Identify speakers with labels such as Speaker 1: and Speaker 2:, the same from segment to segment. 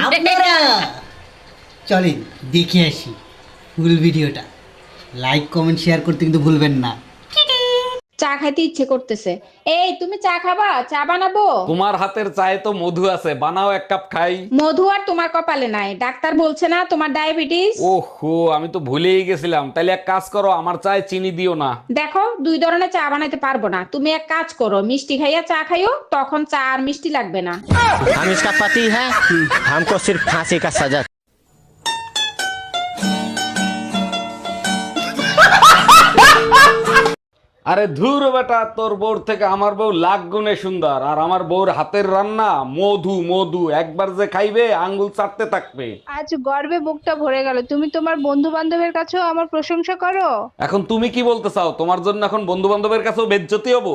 Speaker 1: আপনারা চলেন দেখে আসি ফুল ভিডিওটা। লাইক কমেন্ট শেয়ার করতে কিন্তু ভুলবেন না।
Speaker 2: চা খাইতে ইচ্ছে করতেছে। এই তুমি চা খাবা? চা বানাবো?
Speaker 3: তোমার হাতের চায়ে তো মধু আছে, বানাও এক কাপ খাই।
Speaker 2: মধু আর তোমার কপালে নাই। ডাক্তার বলছে না তোমার ডায়াবেটিস।
Speaker 3: ওহো, আমি তো ভুলেই গেছিলাম। তাইলে এক কাজ করো, আমার চায়ে চিনি দিও না।
Speaker 2: দেখো, দুই ধরনের চা বানাইতে পারবো না। তুমি এক কাজ করো, মিষ্টি খাইয়া চা খাইও, তখন চা আর মিষ্টি লাগবে না।
Speaker 4: हम इसका पति है, हमको सिर्फ फांसी का सजा।
Speaker 3: আরে ধুর বেটা, তোর বউর থেকে আমার বউ লাখ গুণে সুন্দর। আর আমার বউর হাতের রান্না মধু মধু, একবার যে খাইবে আঙ্গুল চাটতে থাকবে।
Speaker 5: আজ গর্বে বুকটা ভরে গেল। তুমি তোমার বন্ধু বান্ধবের কাছেও আমার প্রশংসা করো।
Speaker 3: এখন তুমি কি বলতে চাও? তোমার জন্য এখন বন্ধু বান্ধবের কাছেও বেজ্জতি হবো?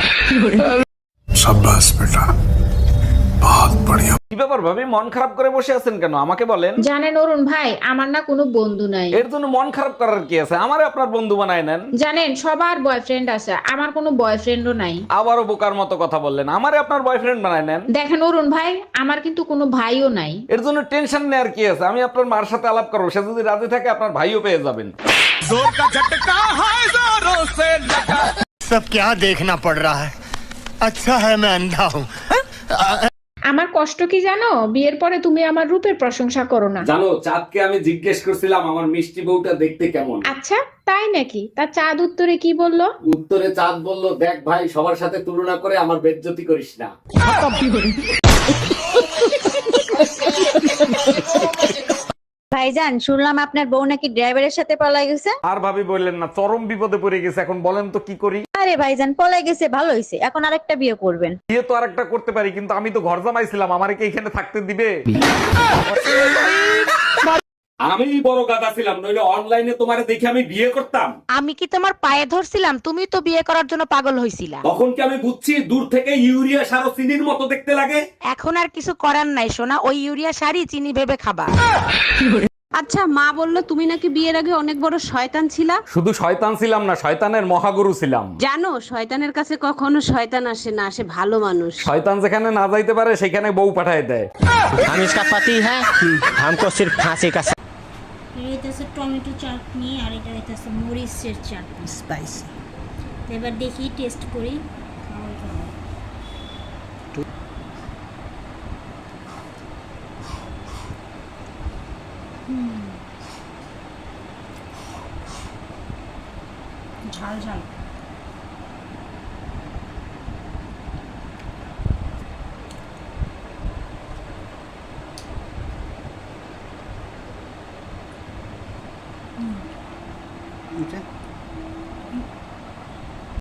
Speaker 6: शाबाश बेटा, बहुत बढ़िया।
Speaker 3: কি ব্যাপার ভাবি, মন খারাপ করে বসে আছেন কেন? আমাকে বলেন।
Speaker 2: জানেন অরুণ ভাই, আমার না কোনো বন্ধু নাই।
Speaker 3: এর জন্য মন খারাপ করার কি আছে? আমারে আপনার বন্ধু বানায় নেন।
Speaker 2: জানেন সবার বয়ফ্রেন্ড আছে, আমার কোনো বয়ফ্রেন্ডও নাই।
Speaker 3: আবারও বোকার মতো কথা বললেন। আমারে আপনার বয়ফ্রেন্ড বানায় নেন।
Speaker 2: দেখেন অরুণ ভাই, আমার কিন্তু কোনো ভাইও নাই।
Speaker 3: এর জন্য টেনশন নেওয়ার কি আছে? আমি আপনার মার সাথে আলাপ করবো, সে যদি রাজি থাকে আপনার ভাইও পেয়ে যাবেন।
Speaker 4: सब क्या देखना पड़ रहा है? अच्छा है मैं अंधा हूँ।
Speaker 2: আমার কষ্ট কি জানো? বিয়ের পরে তুমি আমার রূপের প্রশংসা করো না।
Speaker 3: জানো, চাঁদকে আমি জিজ্ঞেস করছিলাম আমার মিষ্টি বউটা দেখতে কেমন।
Speaker 2: আচ্ছা, তাই নাকি? তার চাঁদ উত্তরে কি বললো?
Speaker 3: উত্তরে চাঁদ বলল, দেখ ভাই, সবার সাথে তুলনা করে আমার বেজ্জতি করিস না।
Speaker 7: ভাইজান, শুনলাম আপনার বউ নাকি ড্রাইভারের সাথে পলাই গেছে।
Speaker 3: আর ভাবি বললেন না, চরম বিপদে পড়ে গেছে। এখন বলেন তো কি করি?
Speaker 7: আরে ভাইজান, পলাই গেছে ভালো হয়েছে, এখন আরেকটা বিয়ে করবেন।
Speaker 3: বিয়ে তো আরেকটা করতে পারি, কিন্তু আমি তো ঘর জামাইছিলাম, আমারে কি এখানে থাকতে দিবে? আমি বড় গাদা ছিলাম, নইলে অনলাইনে তোমারে দেখে আমি বিয়ে করতাম।
Speaker 8: আমি কি তোমার পায়ে ধরছিলাম? তুমি তো বিয়ে করার জন্য পাগল হইছিলা।
Speaker 3: তখন কি আমি বুঝছি দূর থেকে ইউরিয়া সার ও চিনির মতো দেখতে লাগে?
Speaker 8: এখন আর কিছু করার নাই সোনা, ওই ইউরিয়া শাড়ি চিনি ভেবে খাবা।
Speaker 5: আচ্ছা, মা বললো তুমি নাকি বিয়ের আগে অনেক বড় শয়তান ছিলা।
Speaker 3: শুধু শয়তান ছিলাম না, শয়তানের মহাগুরু ছিলাম।
Speaker 5: জানো, শয়তানের কাছে কখনো শয়তান আসে না, আসে ভালো মানুষ।
Speaker 3: শয়তান যেখানে না যাইতে পারে সেখানে বউ পাঠায় দেয়।
Speaker 4: हम इसका पति है, हमको सिर्फ फांसी का सजा।
Speaker 9: হইতেছে টমেটো চাটনি, আর এটা হইতেছে মরিচের চাটনি,
Speaker 1: স্পাইসি।
Speaker 9: এবার দেখি টেস্ট করি। খাওয়াই খাওয়াই। ঝাল ঝাল।
Speaker 1: এটা